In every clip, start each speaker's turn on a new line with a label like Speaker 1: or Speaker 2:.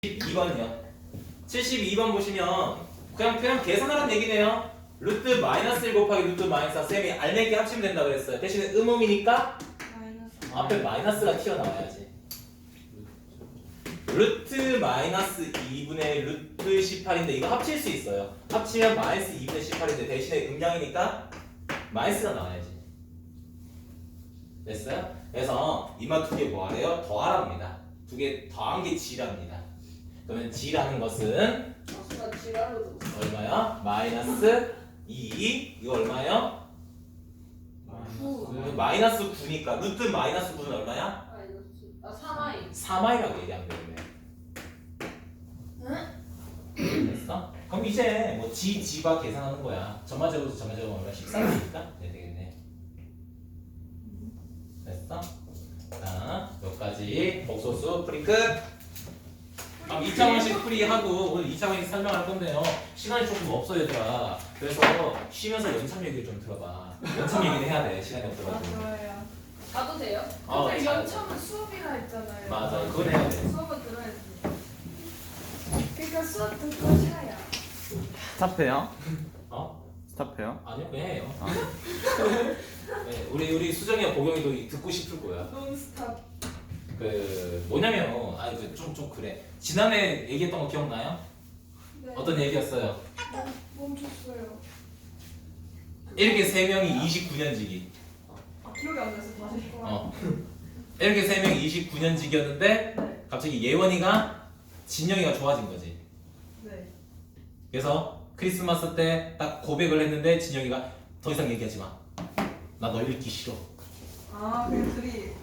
Speaker 1: 72번이요. 72번 보시면 그냥 계산하라는 얘기네요. 루트 마이너스 1 곱하기 루트 마이너스 4 쌤이 알맹이 합치면 된다고 그랬어요. 대신에 음음이니까 앞에 마이너스가 튀어나와야지. 루트 마이너스 2분의 루트 18인데 이거 합칠 수 있어요. 합치면 마이너스 2분의 18인데 대신에 음량이니까 마이너스가 나와야지. 됐어요? 그래서 이마 두 개 뭐하래요? 더하랍니다. 두 개 더한 게 G랍니다. 그러면 G라는 것은 얼마야? 마이너스 2. 이거 얼마요? 마이너스 9니까 루트 마이너스 9는 얼마야?
Speaker 2: 3i.
Speaker 1: 3i라고 얘기하면 되겠네. 됐어? 그럼 이제 뭐 G가 계산하는 거야. 전마제곱에서 전마제곱 얼마? 13이니까 네, 되겠네. 됐어? 자, 여기까지 복소수 풀이 끝. 2차원식 풀이하고 오늘 2차원식 설명할 건데요. 시간이 조금 없어 얘들아. 그래서 쉬면서 연참 얘기를 좀 들어봐. 연참 얘기는 해야 돼. 시간이 없어가지고.
Speaker 3: 맞아요.
Speaker 2: 가도 돼요?
Speaker 3: 근데 연참은 수업이라 했잖아요.
Speaker 1: 맞아, 그건 해야 돼.
Speaker 3: 수업은 들어야지. 그러니까 수업 듣고 쉬어야.
Speaker 4: 스탑해요?
Speaker 1: 어?
Speaker 4: 스탑해요?
Speaker 1: 아니요, 왜 해요? 네, 우리 수정이와 보경이도 듣고 싶을 거야.
Speaker 3: 논스탑.
Speaker 1: 그 뭐냐면, 좀 그래. 지난해 얘기했던 거 기억나요?
Speaker 3: 네.
Speaker 1: 어떤 얘기였어요?
Speaker 3: 멈췄어요.
Speaker 1: 이렇게 세 명이 29년지기.
Speaker 3: 아, 기억이 안 나서 다시.
Speaker 1: 이렇게 세 명이 29년지기였는데
Speaker 3: 네.
Speaker 1: 갑자기 예원이가 진영이가 좋아진 거지.
Speaker 3: 네.
Speaker 1: 그래서 크리스마스 때 딱 고백을 했는데 진영이가 더 이상 얘기하지 마. 나 널 잃기 싫어.
Speaker 3: 아, 그 둘이.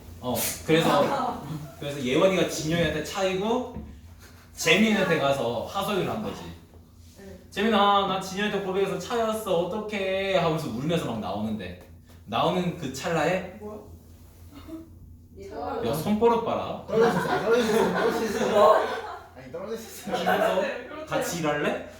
Speaker 1: 그래서 예원이가 진영이한테 차이고 재민이한테 가서 하소연을 한 거지.
Speaker 3: 네.
Speaker 1: 재민아, 나 진영이한테 고백해서 차였어. 어떡해? 하면서 울면서 막 나오는 그 찰나에
Speaker 3: 뭐야?
Speaker 1: 야, 손버릇 봐라.
Speaker 5: 떨어졌어. 아니 떨어졌어.
Speaker 1: 그래서 같이 일할래?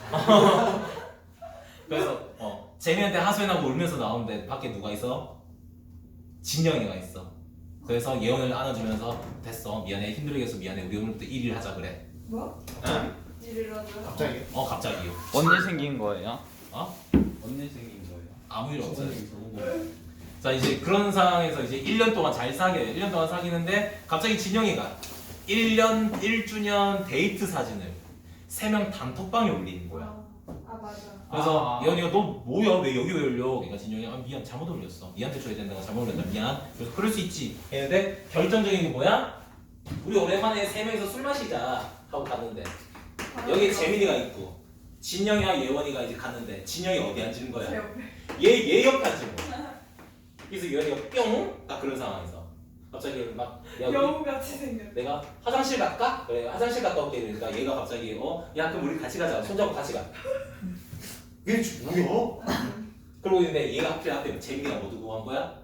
Speaker 1: 그래서 재민한테 하소연하고 울면서 나오는데 밖에 누가 있어? 진영이가 있어. 그래서 예원을 안아주면서 됐어, 미안해, 힘들게 해서 미안해, 우리 오늘부터 1일 하자 그래.
Speaker 3: 뭐?
Speaker 1: 응?
Speaker 3: 일이라고요?
Speaker 5: 갑자기?
Speaker 1: 갑자기요.
Speaker 4: 언제 생긴 거예요?
Speaker 1: 언제 생긴 거예요? 아무 일 없어요. 자, 이제 그런 상황에서 이제 1년 동안 잘 사귀어요. 1년 동안 사귀는데 갑자기 진영이가 1년 1주년 데이트 사진을 3명 단톡방에 올리는 거야.
Speaker 3: 아, 맞아.
Speaker 1: 그래서 예원이가 너 뭐야, 왜 여기 왜 올려? 그러니까 진영이 미안, 잘못 올렸어. 니한테 줘야 된다고 잘못 올렸다, 미안. 그래서 그럴 수 있지 했는데 결정적인 게 뭐야? 우리 오랜만에 3명이서 술 마시자 하고 갔는데 여기 재민이가 있고 진영이와 예원이가 이제 갔는데 진영이 어디 앉은 거야?
Speaker 3: 제 옆에.
Speaker 1: 얘 옆에 앉은 거야. 그래서 예원이가 뿅! 딱 그런 상황에서 갑자기 막 야,
Speaker 3: 여우같이 생겼.
Speaker 1: 내가 화장실 갈까? 그래, 화장실 갔다 올게. 그러니까 얘가 갑자기 야, 그럼 우리 같이 가자. 손잡고 같이 가. 얘 뭐야? 그러고 있는데 얘가 하필 앞에 재민이가 뭐 두고 간 거야?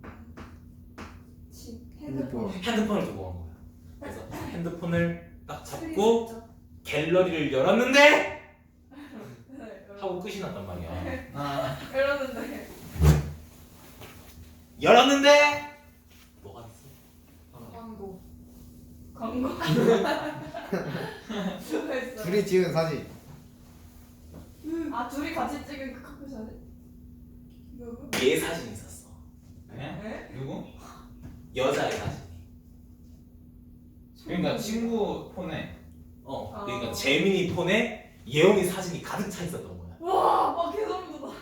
Speaker 3: 핸드폰.
Speaker 1: 핸드폰을 두고 간 거야. 그래서 핸드폰을 딱 잡고 갤러리를 열었는데 하고 끝이 났단 말이야.
Speaker 3: 이러는데.
Speaker 1: 열었는데 뭐가 있어?
Speaker 3: 광고. 뭐가 있어?
Speaker 5: 둘이 찍은 사진.
Speaker 3: 아, 둘이 같이 찍은 그 커플 사진? 누구?
Speaker 1: 얘 사진이 있었어.
Speaker 3: 네?
Speaker 4: 누구?
Speaker 1: 여자의 사진이.
Speaker 4: 그러니까 친구 폰에
Speaker 1: 그러니까 재민이 폰에 예원이 사진이 가득 차 있었던 거야.
Speaker 3: 와, 개소름 돋아.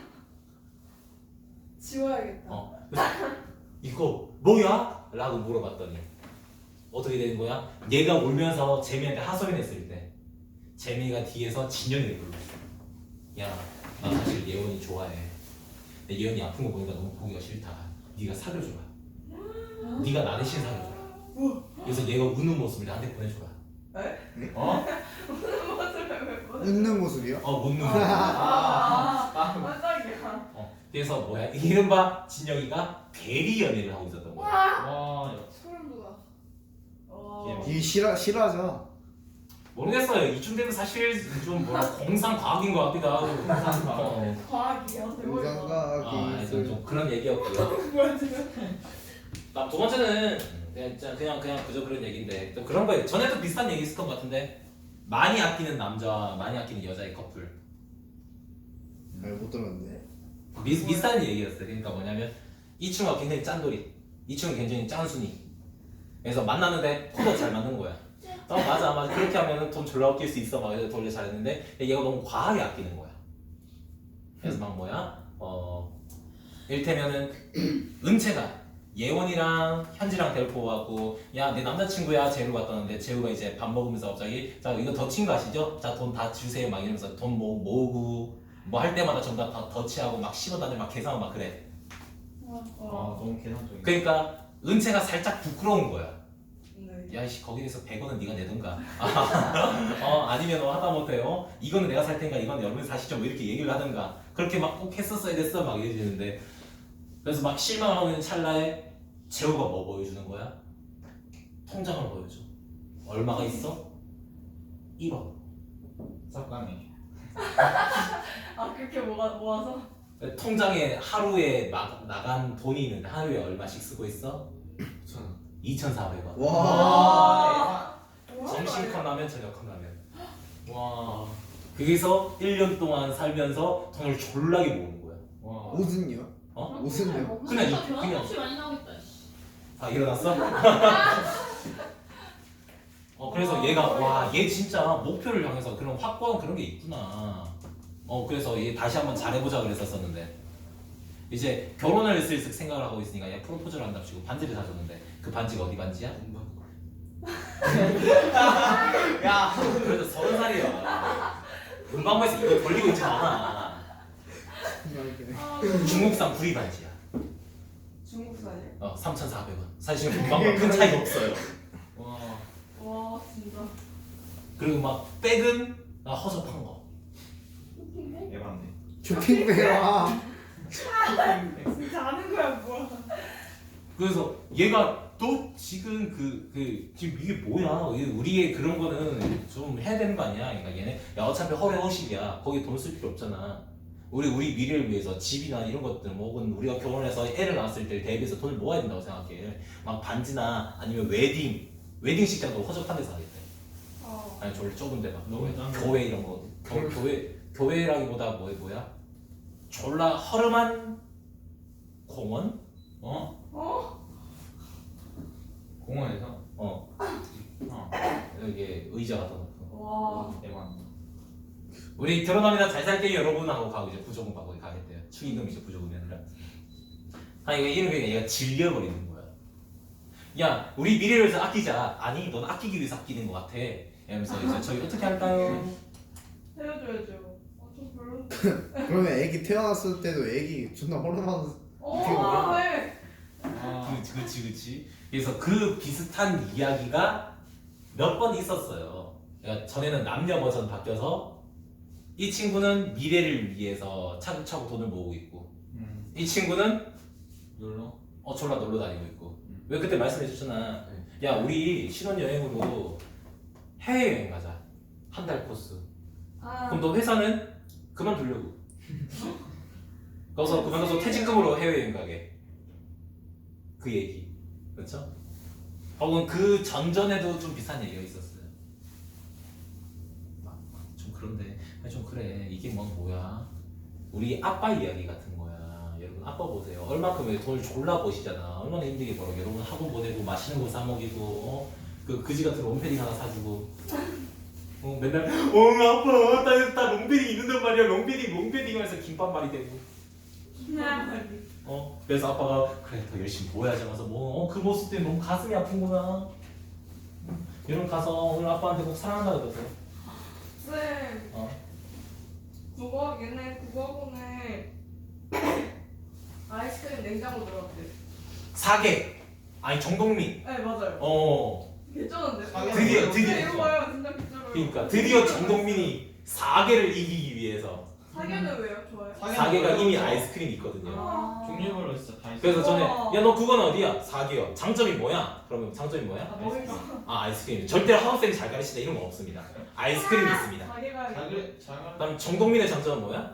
Speaker 3: 지워야겠다.
Speaker 1: 그래서 이거 뭐야? 라고 물어봤더니 어떻게 되는 거야? 얘가 울면서 재민한테 하소연했을 때 재민이가 뒤에서 진영이를 불렀어. 야, 나 사실 예원이 좋아해. 근데 예원이 아픈 거 보니까 너무 보기가 싫다. 네가 사겨줘라. 네가 나 대신 사겨줘라. 그래서 얘가 우는 모습을 나한테 보내줘라.
Speaker 3: 에?
Speaker 1: 어?
Speaker 3: 무슨 모습을 왜 보내?
Speaker 5: 웃는 모습이요?
Speaker 1: 못 누는 거.
Speaker 3: 깜짝이야.
Speaker 1: 그래서 뭐야? 이른바 진영이가 대리 연애를 하고 있었던 거야.
Speaker 4: 와
Speaker 3: 소름 돋아.
Speaker 5: 이게 실화죠.
Speaker 1: 모르겠어요. 이쯤 되면 사실 좀 공상 과학인 것 같기도 하고.
Speaker 3: 과학이야.
Speaker 5: 인간과학이
Speaker 1: 좀 그런 얘기였고요.
Speaker 3: 뭐야 지금?
Speaker 1: 두 번째는 그냥 그저 그런 얘기인데 또 그런 거예요. 전에도 비슷한 얘기 있었던 것 같은데 많이 아끼는 남자와 많이 아끼는 여자의 커플.
Speaker 5: 못 들었는데.
Speaker 1: 비슷한 얘기였어요. 그러니까 뭐냐면 이 친구가 굉장히 짠돌이, 이 친구가 굉장히 짠순이. 그래서 만나는데 코도 잘 맞는 거야. 맞아 맞아 그렇게 하면은 돈 졸라 아낄 수 있어 막 이래서 돈을 잘했는데 얘가 너무 과하게 아끼는 거야. 그래서 막 뭐야 일테면은 은채가 예원이랑 현지랑 데리고 와갖고 야 내 남자친구야 재우 갔다 왔는데 재우가 이제 밥 먹으면서 갑자기 자 이거 덧친 거 아시죠? 자 돈 다 주세요 막 이러면서 돈 모으고 뭐 할 때마다 전부 다 덧치하고 막 10원 단위 막 계산하고 막 그래.
Speaker 4: 너무 계산적인.
Speaker 1: 그러니까 은채가 살짝 부끄러운 거야.
Speaker 3: 네.
Speaker 1: 야이씨 거기에서 100원은 네가 내던가 아니면 하다못해 이거는 내가 살 테니까 이건 여러분이 사시죠 뭐 이렇게 얘기를 하던가 그렇게 막 꼭 했었어야 됐어 막 이러는데 그래서 막 실망하고 있는 찰나에 재호가 뭐 보여주는 거야? 통장을 보여줘. 얼마가 있어? 1원.
Speaker 4: 쌉감이.
Speaker 3: 아 그렇게 모아서?
Speaker 1: 통장에 하루에 나간 돈이 있는데 하루에 얼마씩 쓰고 있어? 2,400원.
Speaker 5: 와.
Speaker 1: 점심 컵라면 저녁 컵라면.
Speaker 4: 와.
Speaker 1: 거기서 1년 동안 살면서 돈을 졸라게 모으는 거야.
Speaker 4: 와.
Speaker 5: 옷은요? 옷은요?
Speaker 1: 그냥
Speaker 2: 그냥 값이 많이 나오겠다. 씨.
Speaker 1: 아 일어났어? 그래서 얘가 와 얘 진짜 목표를 향해서 그런 확고한 그런 게 있구나. 그래서 얘 다시 한번 잘해보자 그랬었었는데 이제 결혼을 슬슬 생각을 하고 있으니까 얘 프로포즈를 한답시고 반지를 사줬는데 그 반지가 어디 반지야?
Speaker 4: 야.
Speaker 1: 그래도 30살이야. 문방구에서 이거 돌리고 있지 않아. 중국산 구리 반지야.
Speaker 3: 중국산이요?
Speaker 1: 3,400원. 사실 문방구 큰 차이 없어요.
Speaker 4: 와.
Speaker 3: 와 진짜.
Speaker 1: 그리고 막 백은 허접한 거.
Speaker 4: 예반데.
Speaker 5: 쇼핑백이라.
Speaker 3: 진짜 아는 거야 뭐야?
Speaker 1: 그래서 얘가 또 지금 지금 이게 뭐야? 우리의 그런 거는 좀 해야 되는 거 아니야? 그러니까 얘네 야 어차피 허례허식이야. 거기 돈 쓸 필요 없잖아. 우리 미래를 위해서 집이나 이런 것들 뭐 혹은 우리가 결혼해서 애를 낳았을 때 대비해서 돈을 모아야 된다고 생각해. 막 반지나 아니면 웨딩식장도 허접한 데서 하겠대. 아니 저를 좁은 데막
Speaker 4: 너무 짠 거.
Speaker 1: 교회 이런 거 교회라기보다 뭐야? 졸라 허름한 공원?
Speaker 4: 공원에서.
Speaker 1: 여기 의자 갖다 놓고
Speaker 3: 와.
Speaker 4: 예반.
Speaker 1: 우리 결혼합니다 잘 살게요 여러분 하고 가고 이제 부조금 받고 가겠대요. 축의금 이제 부조금이 아니라 이거 이런 게 얘가 질려버리는 거야. 야 우리 미래를 위해서 아끼자. 아니 넌 아끼기 위해서 아끼는 것 같아. 이러면서 이제 저희 어떻게 할까요?
Speaker 3: 헤어져야죠. 좀 별로.
Speaker 5: 그러면 애기 태어났을 때도 애기 존나 호르몬.
Speaker 3: 네.
Speaker 1: 그치. 그래서 그 비슷한 이야기가 몇 번 있었어요. 그러니까 전에는 남녀 버전 바뀌어서 이 친구는 미래를 위해서 차곡차곡 돈을 모으고 있고 이 친구는
Speaker 4: 놀러.
Speaker 1: 졸라 놀러 다니고 있고. 왜 그때 말씀해 주셨잖아. 야 우리 신혼여행으로 해외여행 가자. 한 달 코스. 그럼 너 회사는 그만두려고. 거기서 그만둬서 퇴직금으로 해외여행 가게. 그 얘기. 그렇죠? 혹은 그 전전에도 좀 비슷한 얘기가 있었어요. 좀 그런데 좀 그래. 이게 뭐야? 우리 아빠 이야기 같은 거야. 여러분 아빠 보세요. 얼마큼 돈을 졸라 버시잖아. 얼마나 힘들게 벌어. 여러분 학원 보내고 맛있는 거 사 먹이고 그 그지 같은 롱패딩 하나 사주고 맨날 아빠 나 롱패딩 입는단 말이야. 롱패딩 하면서 김밥 말이 되고 그래서 아빠가 그래 더 열심히 보여야지 하면서 그 모습 때문에 너무 가슴이 아픈구나. 여러분 가서 오늘 아빠한테 꼭 사랑한다 그러세요.
Speaker 3: 쌤. 얘네 국어학원에 아이스크림 냉장고 들어갔대.
Speaker 1: 사계 아니 정동민.
Speaker 3: 네 맞아요. 괜찮은데?
Speaker 1: 드디어.
Speaker 3: 이거 봐요 진짜 괜찮아요.
Speaker 1: 그러니까 드디어 정동민이 사계를 이기기 위해서
Speaker 3: 사계는 왜요? 좋아요.
Speaker 1: 사계가 이미 아이스크림이 있거든요.
Speaker 4: 종류별로 진짜 다 있어.
Speaker 1: 그래서 전에
Speaker 3: 우와.
Speaker 1: 야 너 그건 어디야? 사계요. 장점이 뭐야? 그러면 장점이 뭐야?
Speaker 3: 멋있어.
Speaker 1: 아이스크림. 절대로 학원생이 잘 가르치다 이런 건 없습니다. 아이스크림이 있습니다.
Speaker 3: 사계가
Speaker 4: 자글.
Speaker 1: 그다음 정동민의 장점은 뭐야?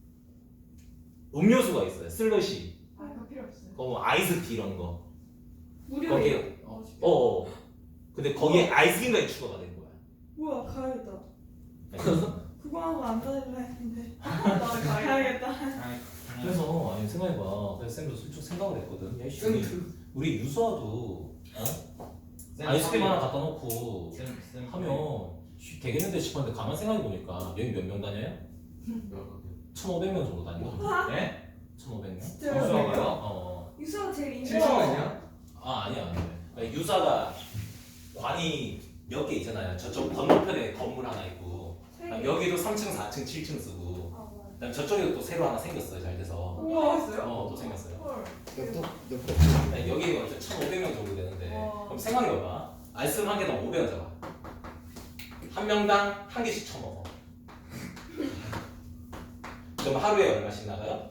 Speaker 1: 음료수가 있어요. 슬러시,
Speaker 3: 그거 필요 없어요.
Speaker 1: 아이스티 이런 거.
Speaker 3: 무료예요.
Speaker 1: 근데 거기에 아이스크림까지 추가가 된 거야.
Speaker 3: 뭐야 가야겠다.
Speaker 1: 네.
Speaker 3: 그거 하고 안 다닐라 했는데. 나 가야겠다.
Speaker 1: 그래서 아니 생각해봐. 그래서 쌤도 솔직히 생각을 했거든. 야, 이씨, 우리 유수아도 아이스크림 하나 갖다 놓고 하면 되겠는데 싶었는데 가만 생각해 보니까 여기 몇 명 다녀요? 1,500명 정도 다니거든.
Speaker 4: 네?
Speaker 1: 1,500명?
Speaker 3: 진짜요?
Speaker 4: 유수아가요?
Speaker 1: 어.
Speaker 3: 유수가 제일 인기.
Speaker 6: 7층 아니야?
Speaker 1: 아 아니야. 그러니까 유사가 관이 몇 개 있잖아요. 저쪽 건너편에 건물 하나 있고 그다음 여기도 3층, 4층, 7층 쓰고
Speaker 3: 아 뭐야.
Speaker 1: 그다음 저쪽에도 또 새로 하나 생겼어요. 잘 돼서.
Speaker 3: 우와 했어요?
Speaker 1: 또 생겼어요.
Speaker 3: 헐.
Speaker 5: 옆도
Speaker 1: 그러니까 여기가 1,500명 정도 되는데
Speaker 3: 와.
Speaker 1: 그럼 생각해봐봐. 아이스크림 한 개당 500원 잡아. 한 명당 한 개씩 처먹어. 그럼 하루에 얼마씩 나가요?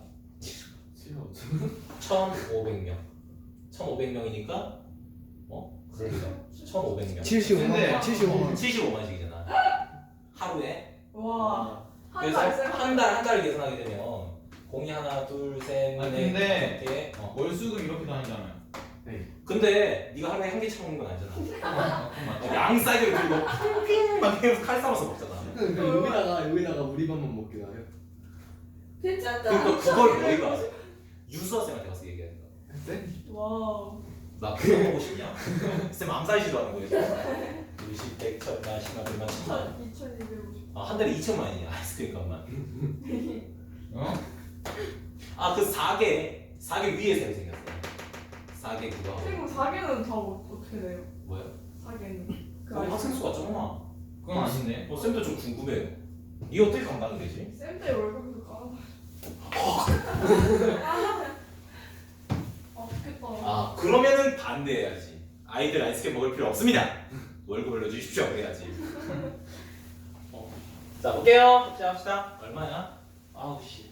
Speaker 1: 1,500명. 1,500명이니까 그러니까 1,500명.
Speaker 5: 75만 75만
Speaker 1: 75만씩이잖아. 하루에.
Speaker 3: 와.
Speaker 1: 그래서 한 달 계산하게 되면 공이 하나, 둘, 셋,
Speaker 4: 아니,
Speaker 1: 넷,
Speaker 4: 근데-
Speaker 1: 다섯 개.
Speaker 4: 월수금 이렇게 다니잖아요.
Speaker 1: 근데 네가 하루에 한 개 처먹는 건 아니잖아.
Speaker 4: 그건 맞죠?
Speaker 1: 양 사이드를 들고 핑핑 막 해서 칼 싸워서 먹잖아.
Speaker 6: 여기다가 우리 밥만 먹게 나요.
Speaker 3: 괜찮다.
Speaker 1: 그러니까 그걸 너희가 유수학생한테 가서 얘기해야 된다.
Speaker 3: 와우.
Speaker 1: 나 그거 먹고 싶냐? 쌤 암살시도 하는 거예요. 20, 100, 1000, 10만, 100만, 1000만.
Speaker 3: 2250.
Speaker 1: 한 달에 2천만이냐 아이스크림 값만.
Speaker 4: 어?
Speaker 1: 그 4개 위에 쌤이 생겼어. 4개 그거 하고.
Speaker 3: 그리고 4개는 다 어떻게 돼요?
Speaker 1: 뭐야?
Speaker 3: 4개는.
Speaker 1: 거기 학생 수가 적나?
Speaker 4: 그건 아닌데.
Speaker 1: 쌤도 좀 궁금해. 이 어떻게 감당이 되지?
Speaker 3: 쌤때 월급도 까나. 아프겠다.
Speaker 1: 그러면은 반대해야지. 아이들 아이스크림 먹을 필요 없습니다. 월급을 넣어주십시오. 그래야지. 자 볼게요. 시작합시다. 얼마냐? 아우 씨.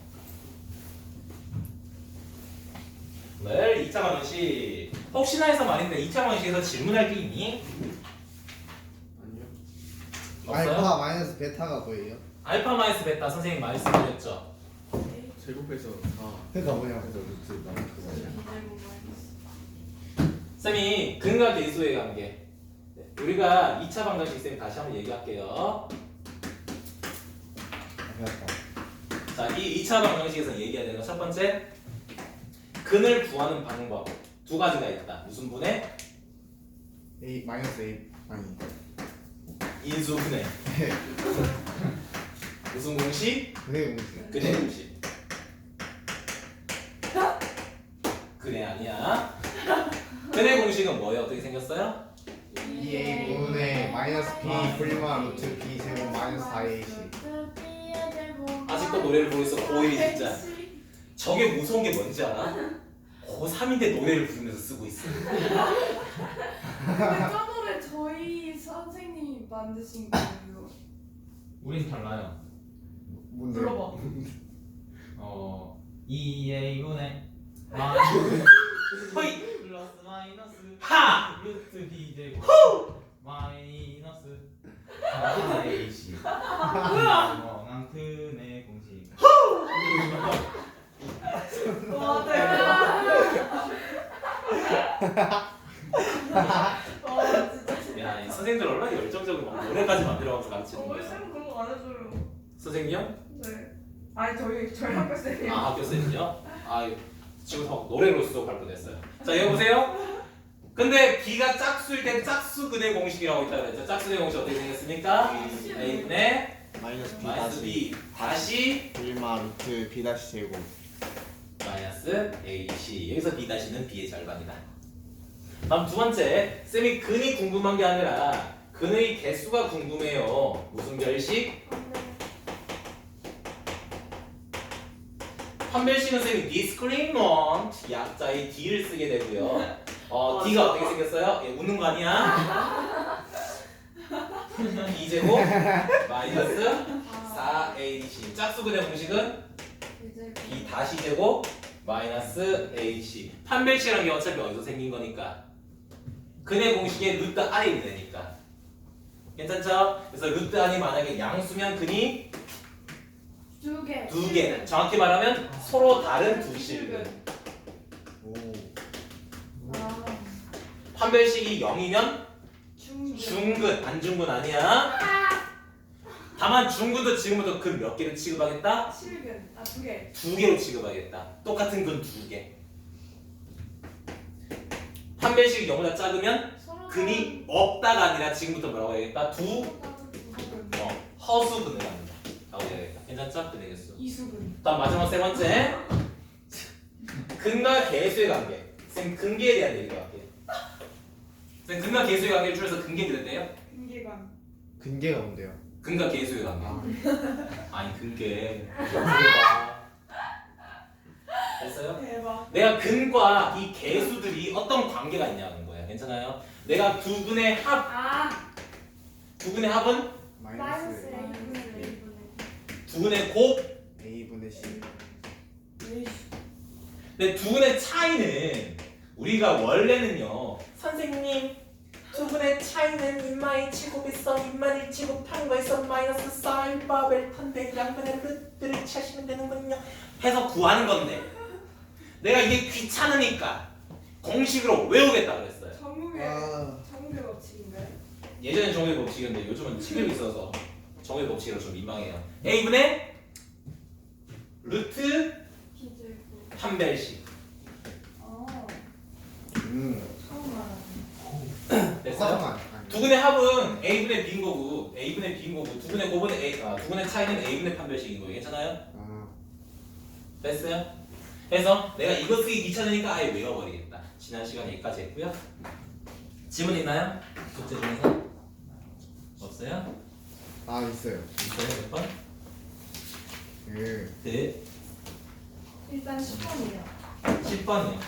Speaker 1: 오늘 2차 방정식 혹시나 해서 말인데 2차 방정식에서 질문할 게 있니?
Speaker 6: 아니요.
Speaker 1: 없어요?
Speaker 5: 알파 마이너스 베타가 뭐예요?
Speaker 1: 알파 마이너스 베타 선생님 말씀드렸죠.
Speaker 6: 제곱해서 4.
Speaker 5: 그러니까 뭐냐?
Speaker 6: 해서 루트 나누는
Speaker 1: 쌤이 근과 계수의 관계. 우리가 2차 방정식 쌤이 다시 한번 얘기할게요. 자, 이 2차 방정식에서 얘기해야 되는 건 첫 번째, 근을 구하는 방법 두 가지가 있다. 무슨 분해?
Speaker 5: A 마이너스 A 아니
Speaker 1: 인수분해. 무슨 공식?
Speaker 5: 그래 공식.
Speaker 1: 근해 공식. 근해 아니야. 근해 공식은 뭐예요? 어떻게 생겼어요?
Speaker 5: 2A 분의 마이너스 B 분리마 루트 B 제곱 마이너스 4AC.
Speaker 1: 아직도 노래를 부르고 있어. 고1이 진짜. 저게 무서운 게 뭔지 알아? 고3인데 노래를 부르면서 쓰고 있어.
Speaker 3: 근데 저 노래 저희 선생님이 만드신 거예요.
Speaker 4: 우린 달라요.
Speaker 5: 뭔데?
Speaker 3: 불러봐.
Speaker 4: 2A분의 마이너스
Speaker 1: 허이!
Speaker 4: 플러스 마이너스
Speaker 1: 하!
Speaker 4: 루트 B 제곱 마이너스 4AC. 난 근의 공식.
Speaker 3: 와 대박. 와 진짜.
Speaker 1: 야, 이 선생님들 얼마나 열정적으로 막 노래까지 만들어가지고 가르치는
Speaker 3: 우리
Speaker 1: 거야.
Speaker 3: 쌤 그런 거 안 해줘요.
Speaker 1: 선생님이요?
Speaker 3: 네. 아니 저희 학교 쌤이요.
Speaker 1: 학교 쌤이요? 지금 막 노래로 수업할 뻔했어요. 자, 여기 보세요. 근데 B가 짝수일 때 짝수 근의 공식이라고 있다 그랬죠. 짝수 근의 공식 어떻게 생겼습니까? A분의
Speaker 5: 마이너스 B
Speaker 1: 마이너스 B 다시
Speaker 5: 분리마 루트 B 다시 제곱.
Speaker 1: 마이너스 AC. 여기서 B 다시는 B의 절반이다. 다음 두 번째, 쌤이 근이 궁금한 게 아니라 근의 개수가 궁금해요. 무슨 별식? 판별식은 쌤이 discriminant 약자의 D를 쓰게 되고요. D가 어떻게 생겼어요? 얘 웃는 거 아니야? B 제곱 마이너스 4AC. 짝수근의 공식은 B 다시 제곱 마이너스 AC. 판별식이라는 게 어차피 어디서 생긴 거니까 근의 공식의 루트 R이 되니까 괜찮죠? 그래서 루트 R이 만약에 양수면 근이 두 개. 정확히 말하면 서로 다른 두 실근.
Speaker 5: 오.
Speaker 3: 아.
Speaker 1: 판별식이 0이면 중근 안중근 아니야. 다만 중근도 지금부터 근 몇 개를 취급하겠다?
Speaker 3: 실근. 아, 2개.
Speaker 1: 2개로 취급하겠다. 똑같은 근 2개. 판별식이 0보다 작으면 근이 없다가 아니라 지금부터 뭐라고 해야겠다? 허수근을 합니다. 라고 해야겠다. 괜찮죠? 그 되겠어.
Speaker 3: 이수근.
Speaker 1: 다음 마지막 세 번째. 근과 개수의 관계. 쌤 근계에 대한 얘기가 할게요. 쌤 근과 개수의 관계를 줄여서 근계 그랬대요?
Speaker 3: 근계관.
Speaker 5: 근계가 뭔데요?
Speaker 1: 근과 개수의 관계.
Speaker 5: 아,
Speaker 1: 아니 근계. 됐어요?
Speaker 3: 대박.
Speaker 1: 내가 근과 이 개수들이 어떤 관계가 있냐는 거야. 괜찮아요? 내가 두 근의 합,
Speaker 3: 아.
Speaker 1: 두 근의 합은
Speaker 5: 마이너스
Speaker 1: 두 근의 곱.
Speaker 5: A분의 C.
Speaker 1: 근데 두 근의 차이는 우리가 원래는요. 선생님 두 근의 차이는 인마의 제곱에서 인마를 제곱한 거에서 마이너스 4일 바벨 탄데 양변의 루트를 취하시면 되는군요. 해서 구하는 건데 내가 이게 귀찮으니까 공식으로 외우겠다 그랬어요.
Speaker 3: 정국의
Speaker 5: 아.
Speaker 3: 정국의 법칙인가요?
Speaker 1: 예전엔 정의 법칙이었는데 요즘은 치료이 있어서 정의 법칙으로 좀 민망해요. A분의 루트
Speaker 3: 기재고.
Speaker 1: 판별식.
Speaker 3: 처음 알았네.
Speaker 1: 됐어요?
Speaker 5: 잠깐만.
Speaker 1: 두 근의 합은 A분의 B인 거고 A분의 B인 거고 두 근의 곱은 두 근의 차이는 A분의 판별식인 거예요. 괜찮아요?
Speaker 5: 아,
Speaker 1: 됐어요? 그래서 내가 이거 쓰기 귀찮으니까 아예 외워버리겠다. 지난 시간에 여기까지 했고요. 질문 있나요? 숙제 중에서? 없어요?
Speaker 5: 아 있어요.
Speaker 1: 있어요? 몇 번?
Speaker 5: 그
Speaker 1: 네.
Speaker 3: 일단 10번이요.
Speaker 1: 10번이요.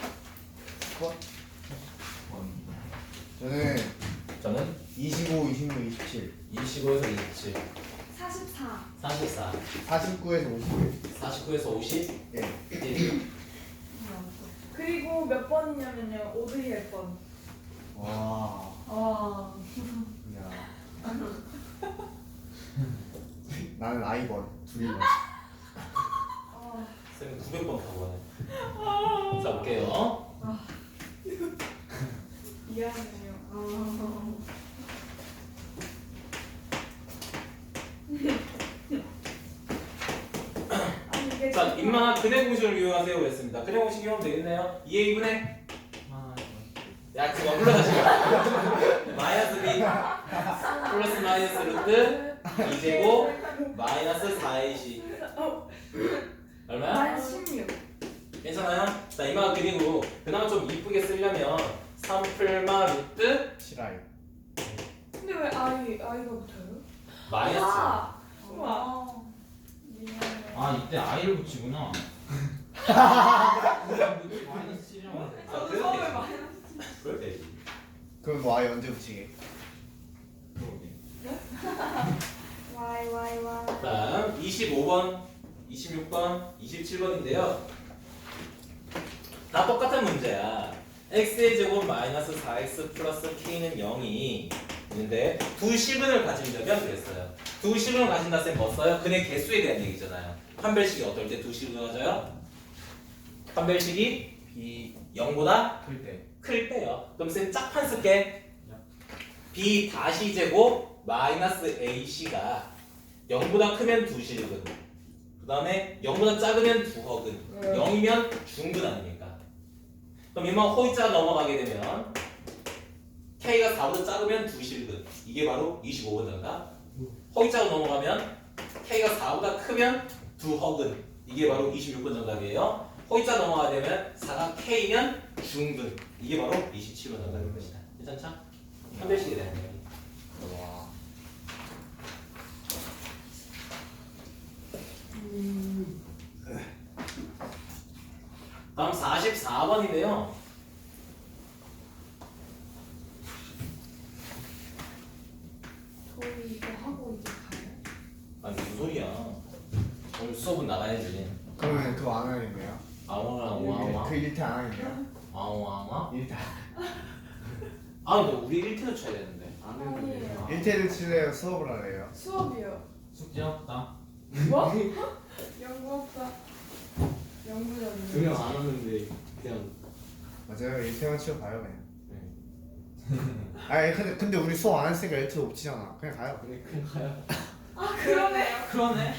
Speaker 5: 저는
Speaker 1: 저는
Speaker 5: 25, 26, 27,
Speaker 1: 25에서 27,
Speaker 3: 44.
Speaker 1: 44,
Speaker 5: 49에서 51.
Speaker 1: 49에서 50,
Speaker 5: 예.
Speaker 1: 1.
Speaker 3: 그리고 몇 번이냐면요. 오드힐 번.
Speaker 5: 와.
Speaker 3: 아.
Speaker 5: 야. 나는 I번 둘이번.
Speaker 3: 아.
Speaker 1: 쌤은 900번 타고 가네. 자, 볼게요.
Speaker 3: 미안해요. 아. 아니 이게
Speaker 1: 자,
Speaker 3: 진짜-
Speaker 1: 인마 근의 공식을 이용하세요. 그랬습니다. 근의 공식 이용하면 되겠네요. 2A분의 야, 그거 불러다시 마이너스 B 플러스 마이너스 루트 2제곱 마이너스 4AC 얼마야?
Speaker 3: 만 16.
Speaker 1: 괜찮아요? 자, 이마 그리고 그나마 좀 이쁘게 쓰려면 3플마 루트
Speaker 5: 실화요.
Speaker 3: 근데 왜 아이가 붙어요?
Speaker 1: 마이너스
Speaker 3: 아. 우와. 미안해.
Speaker 4: 아 이때 I를 붙이구나. 마이너스 7이라고.
Speaker 1: 아,
Speaker 3: 저도 처음에
Speaker 1: 그래도
Speaker 3: 많이
Speaker 1: 되지. 그럴 되지.
Speaker 5: 그럼 뭐 I 언제 붙이게?
Speaker 3: 와이.
Speaker 1: 다음 25번, 26번, 27번인데요. 다 똑같은 문제야. x의 제곱 마이너스 4x 플러스 k는 0이 있는데 두 실근을 가진다면 그랬어요. 두 실근을 가진다 쌤 뭐 써요? 근의 개수에 대한 얘기잖아요. 판별식이 어떨 때 두 실근을 가져요? 판별식이
Speaker 5: B
Speaker 1: 0보다
Speaker 5: 클 때.
Speaker 1: 클 때요. 그럼 쌤 짝판 쓸게. b 다시 제곱 마이너스 ac가 0보다 크면 두 실근. 그 다음에 0보다 작으면 두 허근. 0이면 중근 아닙니까? 그럼 이만 호이자가 넘어가게 되면 k가 4보다 작으면 두 실근. 이게 바로 25번 정답. 호이자가 넘어가면 k가 4보다 크면 두 허근. 이게 바로 26번 정답이에요. 호이자 넘어가게 되면 4가 k면 중근. 이게 바로 27번 정답인 것이다. 괜찮죠? 판별식에 대한 얘기.
Speaker 5: 와.
Speaker 1: 다음 44번인데요.
Speaker 3: 저희 이거 하고 이제 가요?
Speaker 1: 아니 무슨 소리야? 오늘 수업은 나가야지.
Speaker 5: 그러면 그거 안 하겠네요.
Speaker 1: 아웅아웅아웅아.
Speaker 5: 그 1태 안 하겠네요.
Speaker 1: 아웅아웅아.
Speaker 5: 1태.
Speaker 1: 아 근데 우리 1태도 쳐야 되는데.
Speaker 6: 안 했는데.
Speaker 3: 아니에요.
Speaker 5: 1태를 칠래요? 수업을 하래요?
Speaker 3: 수업이요.
Speaker 4: 숙제 없다.
Speaker 3: 뭐? 연구 없다. 연구적인.
Speaker 6: 그냥 안 하는데 그냥
Speaker 5: 맞아요. 1태만 치워봐요 그냥. 아니 근데 우리 수업 안 했으니까 L2 못 치잖아. 그냥 가요.
Speaker 6: 그냥 가요.
Speaker 3: 아 그러네.
Speaker 4: 그러네.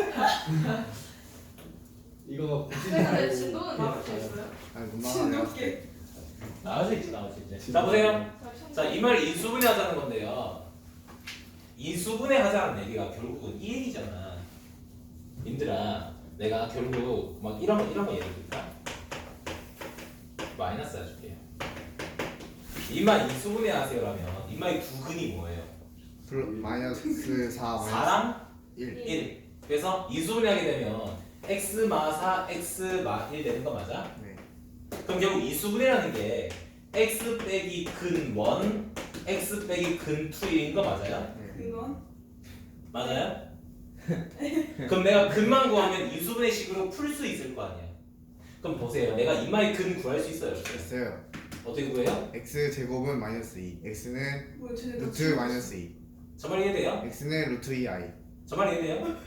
Speaker 6: 이거
Speaker 2: 근데 진도는 나올 수
Speaker 6: 가요.
Speaker 2: 있어요?
Speaker 5: 아니 못 나가 내가.
Speaker 3: 진돗개.
Speaker 1: 나올 수 있지 나올 수 있지. 자 보세요. 자 이 말 인수분해 하자는 건데요. 인수분해 하자는 얘기가 결국은 이 얘기잖아. 님들아 내가 결국 막 이런 거 예를 들까? 마이너스 해줄게요. 인마 인수분해 하세요라면 인마의 두 근이 뭐예요?
Speaker 5: 마이너스 4 마이너스
Speaker 1: 4랑
Speaker 5: 1.
Speaker 1: 1. 그래서 인수분해 하게 되면 x 마 4, x 마 1 되는 거 맞아?
Speaker 5: 네.
Speaker 1: 그럼 결국 인수분해라는 게 x 빼기 근 1, x 빼기 근 2인 거 맞아요?
Speaker 5: 네.
Speaker 3: 이건
Speaker 1: 맞아요? 그럼 내가 근만 구하면 인수분해식으로 풀 수 있을 거 아니야. 그럼 보세요. 내가 이마의 근 구할 수 있어요? 없어요?
Speaker 5: 됐어요.
Speaker 1: 어떻게 구해요?
Speaker 5: x 제곱은 마이너스 2. x는
Speaker 3: 뭐야 쟤네
Speaker 5: 루트 마이너스 2.
Speaker 1: 저 말 이해돼요?
Speaker 5: x는 루트 2i.
Speaker 1: 저 말 이해돼요?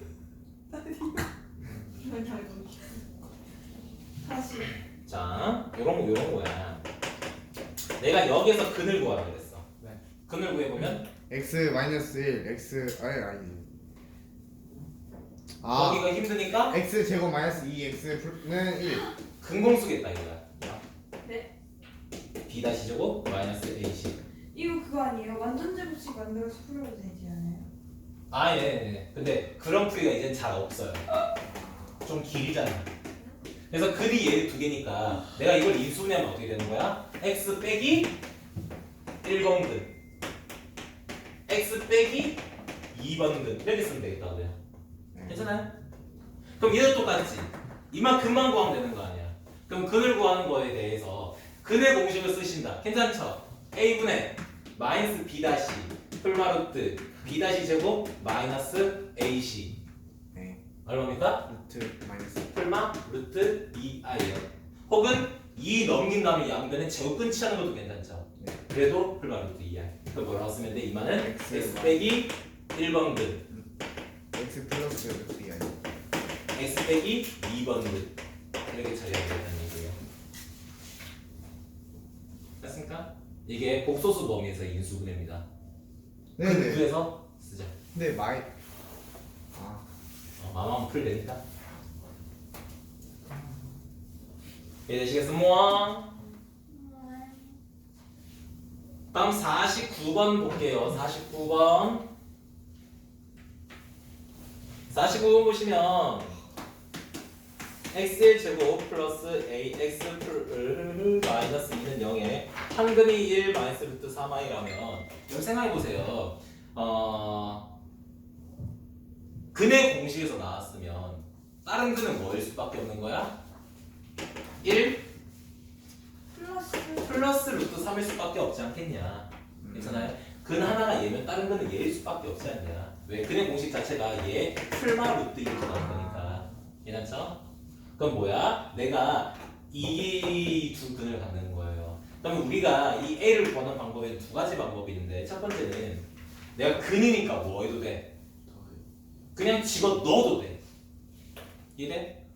Speaker 3: 이건 잘 좀. 다시.
Speaker 1: 자, 요런 거야. 내가 여기에서 근을 구하라 그랬어.
Speaker 5: 네.
Speaker 1: 근을 구해보면
Speaker 5: x 마이너스 1 x 아니.
Speaker 1: 거기가 힘드니까
Speaker 5: x 제곱 마이너스 2x는 1.
Speaker 1: 근공 쓰겠다 이거야.
Speaker 3: 네.
Speaker 1: b 다시 제곱 마이너스 ac.
Speaker 3: 이거 그거 아니에요? 완전 제곱식 만들어서 풀어도 되지 않아요?
Speaker 1: 아, 예, 예. 근데 그런 풀이가 이제 잘 없어요. 좀 길잖아. 그래서 근이 얘 두 개니까 내가 이걸 인수분해하면 어떻게 되는 거야? x 빼기 1번근 x 빼기 2번근 이렇게 쓰면 되겠다고요. 괜찮아요? 그럼 얘도 똑같지. 이만 근만 구하면 되는 거 아니야. 그럼 근을 구하는 거에 대해서 근의 공식을 쓰신다. 괜찮죠? a분의 마이너스 b 다시 풀마루트 b 다시 제곱 마이너스 ac
Speaker 5: 네.
Speaker 1: 얼마입니까?
Speaker 5: 루트 마이너스.
Speaker 1: 풀마 루트 2i요. 혹은 2 넘긴 다음에 양변에 제곱 끊치하는 것도 괜찮죠.
Speaker 5: 네.
Speaker 1: 그래도 풀마 루트 2i. 그럼 뭐라고 쓰면 돼? 이만은
Speaker 5: X
Speaker 1: x 빼기 1번근
Speaker 5: x 플러스 루트 2i.
Speaker 1: x 빼기 2번근 이렇게 처리하면 된다는 얘기예요. 됐습니까? 이게 복소수 범위에서 인수분해입니다.
Speaker 5: 네네.
Speaker 1: 그 구에서 쓰자.
Speaker 5: 근데 마이
Speaker 1: 마음 풀되니까. 이해되시겠습니까? 다음 49번 볼게요. 49번. 49번 보시면 x1 제곱 플러스 ax 마이너스 2는 0에 한근이 1 마이너스 루트 3i라면 여기 생각해보세요. 근의 공식에서 나왔으면 다른 근은 뭐일 수밖에 없는 거야? 1 플러스 루트 3일 수밖에 없지 않겠냐. 괜찮아요? 근 하나가 얘면 다른 근은 얘일 수밖에 없지 않냐. 왜? 근의 공식 자체가 얘 풀마 루트 이렇게 나온 거니까. 괜찮죠? 그럼 뭐야? 내가 이 두 근을 갖는 거예요. 그러면 우리가 이 A를 구하는 방법에는 두 가지 방법이 있는데 첫 번째는 내가 근이니까 뭐 해도 돼? 그냥 집어 넣어도 돼. 이해돼?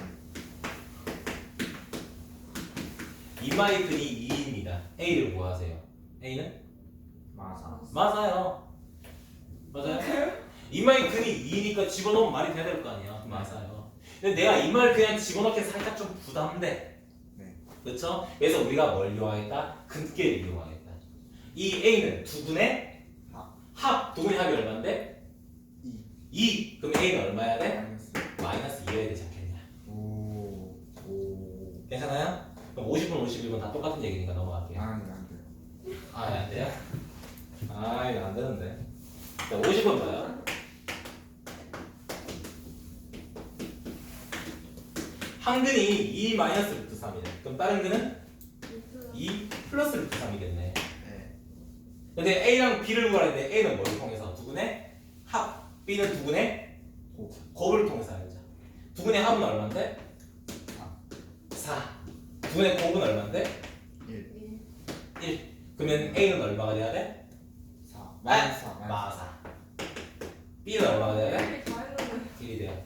Speaker 1: 이마의 근이 2입니다. A를 구하세요. A는?
Speaker 5: 마사.
Speaker 1: 맞아요. 맞아요? 이마의 근이 2니까 집어넣으면 말이 돼야 될 거 아니야. 맞아요. 근데 내가 이 말 그냥 집어넣기 살짝 좀 부담돼.
Speaker 5: 네.
Speaker 1: 그렇죠? 그래서 우리가 뭘 이용하겠다? 근계를 이용하겠다. 이 A는 두 분의 합. 두 분의 합이 얼마인데? 2. 그럼 A는 얼마야 돼?
Speaker 5: 마이너스.
Speaker 1: 마이너스 2여야 되지 않겠냐.
Speaker 5: 오.
Speaker 1: 괜찮아요? 그럼 50분, 51분 다 똑같은 얘기니까 넘어갈게요.
Speaker 5: 안 돼요.
Speaker 1: 아, 안 돼요? 아, 이거 안 되는데. 자, 50번 봐요. 한 근이 2 마이너스 루트 3이네. 그럼 다른 근은 2 플러스 루트 3이겠네.
Speaker 5: 네.
Speaker 1: 근데 A랑 B를 구하는데 A는 뭘 통해서? 두 근의 합. B는 두 근의 곱을 통해서 알자. 두 근의 합은 얼마인데? 4. 두 근의 곱은 얼마인데? 1. 그러면 A는 얼마가 돼야 돼?
Speaker 5: 4. 마이너스 4.
Speaker 1: 마사. B는 얼마가 돼야 돼?
Speaker 3: 이렇게 다 했는데
Speaker 1: 1이 돼야 돼.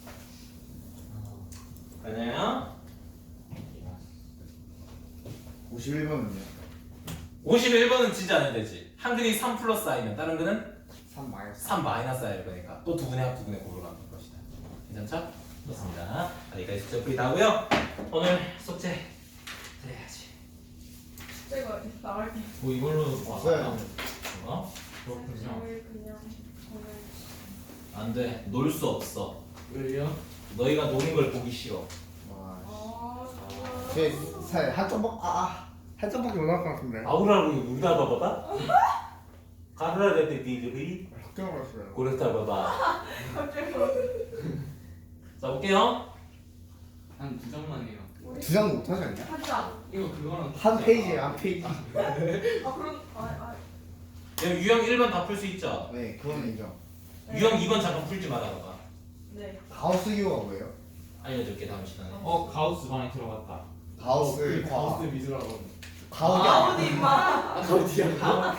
Speaker 1: 맞아요?
Speaker 5: 51번은요?
Speaker 1: 51번은 진짜 안 해도 되지. 한 근이 3 플러스 i면 다른 근은
Speaker 5: 3 마이너스
Speaker 1: 3 마이너스 i일 거니까 또 두 근의 합 두 근의 곱으로 가는 것이다. 괜찮죠? 좋습니다. 여기까지 숙제 풀이 나고요. 오늘 숙제 해야지.
Speaker 3: 제가 나갈게.
Speaker 4: 뭐 이걸로
Speaker 5: 없어요.
Speaker 1: 어?
Speaker 4: 그렇군요.
Speaker 3: 그냥
Speaker 1: 안 돼. 놀 수 없어.
Speaker 6: 왜요?
Speaker 1: 너희가 노는 걸 보기 싫어.
Speaker 5: 와 한 점밖에 한 점밖에 못 나올 것 같은데
Speaker 1: 아우라고 우리다 봐봐봐. 가르라 때 니들이
Speaker 5: 걱정 말았어요
Speaker 1: 고랬다 봐봐.
Speaker 3: 갑자기
Speaker 1: 자 볼게요.
Speaker 6: 한 2점만 해요.
Speaker 5: 두 장 못하지 않냐?
Speaker 3: 하자.
Speaker 6: 이거 그거랑
Speaker 5: 한 페이지에 한 페이지
Speaker 3: 아 그럼
Speaker 1: 유형 1번 다 풀 수 있죠.
Speaker 5: 네 그거는 인정
Speaker 1: 유형 2번 잠깐 풀지 말아봐.
Speaker 3: 네.
Speaker 5: 가우스 기호가 뭐예요?
Speaker 1: 알려줄게 다음 시간에.
Speaker 4: 가우스 반에 들어갔다.
Speaker 5: 가우스
Speaker 6: 가우스 미술학원.
Speaker 5: 가우디
Speaker 3: 아우디 임마.
Speaker 6: 아 가우디야.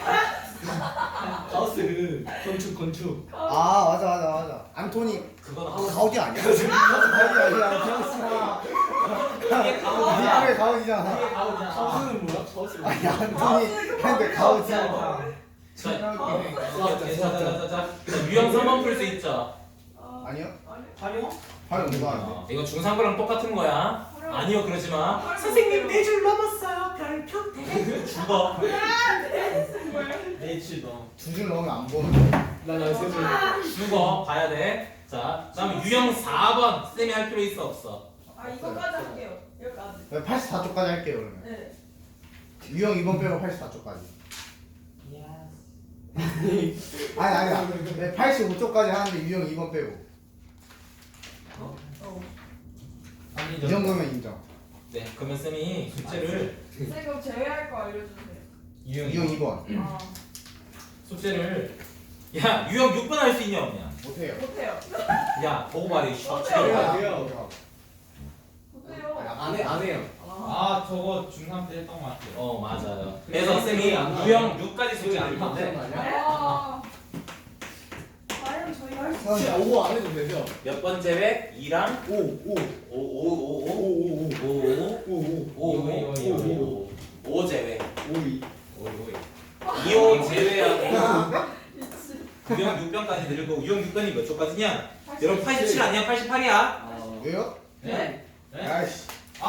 Speaker 6: 가우스 그 건축.
Speaker 5: 아 맞아 안토니
Speaker 1: 그건
Speaker 5: 가우디 아니야? 가우디 아니야 가우스야
Speaker 1: 이게 가우디야.
Speaker 5: 니네 가우디잖아
Speaker 1: 이게 가우디야.
Speaker 6: 가우스는 뭐야? 가우스.
Speaker 5: 아니 안토니 근데 가우디야
Speaker 1: 자, 유형 3번 풀 수 있죠.
Speaker 5: 아니요?
Speaker 3: 아니.
Speaker 1: 활용?
Speaker 5: 활용 누가 하는데?
Speaker 1: 이거 중3거랑 똑같은 거야. 아니요 그러지 마. 선생님 4줄 넘었어요. 별표 대. 죽어.
Speaker 6: H 너.
Speaker 5: 두 줄 넣으면 안 보는데
Speaker 6: 나세 줄.
Speaker 1: 죽어. 봐야 돼. 자, 그다음에 유형 4번 쌤이 할 필요 있어 없어?
Speaker 3: 아 이거까지 할게요. 여기까지.
Speaker 5: 84쪽까지 할게요 그러면
Speaker 3: 네.
Speaker 5: 유형 2번 빼고 84쪽까지 아니야 85쪽까지 하는데 유형 2번 빼고
Speaker 3: 어.
Speaker 5: 이 정도면 인정
Speaker 1: 네, 그러면 쌤이 숙제를
Speaker 3: 선생님 그럼 제외할 거 알려주세요.
Speaker 5: 유형 2번
Speaker 3: 아
Speaker 1: 숙제를 야 유형 6번 할 수 있냐 없냐?
Speaker 5: 못해요
Speaker 3: 못해요.
Speaker 1: 야 보고 말해.
Speaker 6: 돼요, 돼요.
Speaker 3: 못해요.
Speaker 6: 안 해요.
Speaker 4: 아 저거 중3 때 했던 것 같아요.
Speaker 1: 맞아요. 그래서 쌤이 유형 6까지 숙제 줄 건데
Speaker 3: 아. 과연 저희 할 수.
Speaker 6: 진짜 5 안 해도 되죠?
Speaker 1: 몇 번째 획? 2랑
Speaker 6: 5.
Speaker 1: 5 제외.
Speaker 6: 5.
Speaker 1: 2호 제외하고 유형 6번까지 들고 유형 6번이 몇 초까지냐? 여러분 87 아니야? 88이야?
Speaker 5: 왜요?
Speaker 4: 네?
Speaker 5: 아이씨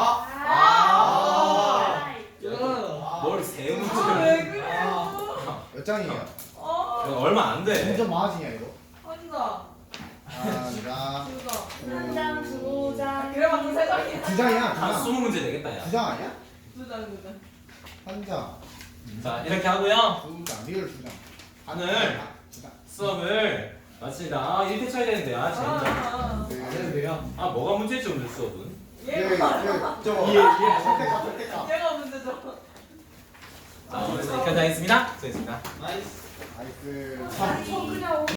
Speaker 1: 뭘 세우는
Speaker 3: 아왜 그래요?
Speaker 5: 몇 장이에요?
Speaker 1: 얼마 안 돼.
Speaker 5: 점점 많아지냐 이거?
Speaker 3: 한다.
Speaker 5: 하나
Speaker 3: 두장 두 장. 그래봤자 세 장이야.
Speaker 5: 두 장이야
Speaker 1: 한 20문제 되겠다 야.
Speaker 5: 두 장 아니야?
Speaker 3: 두 장.
Speaker 5: 한 장,
Speaker 1: 자 이렇게 하고요.
Speaker 5: 두 장, 리얼 두 장.
Speaker 1: 오늘 수업을 마칩니다. 1대 쳐야 되는데 아 진짜.
Speaker 3: 아.
Speaker 6: 안 해도 돼요?
Speaker 1: 아 뭐가 문제지 오늘 수업은?
Speaker 3: 얘가
Speaker 5: 저거 선택가
Speaker 3: 얘가 문제죠.
Speaker 1: 자 오늘 여기까지 하겠습니다. 수고했습니다.
Speaker 4: 나이스.
Speaker 5: 나이스
Speaker 3: 아니 저 그냥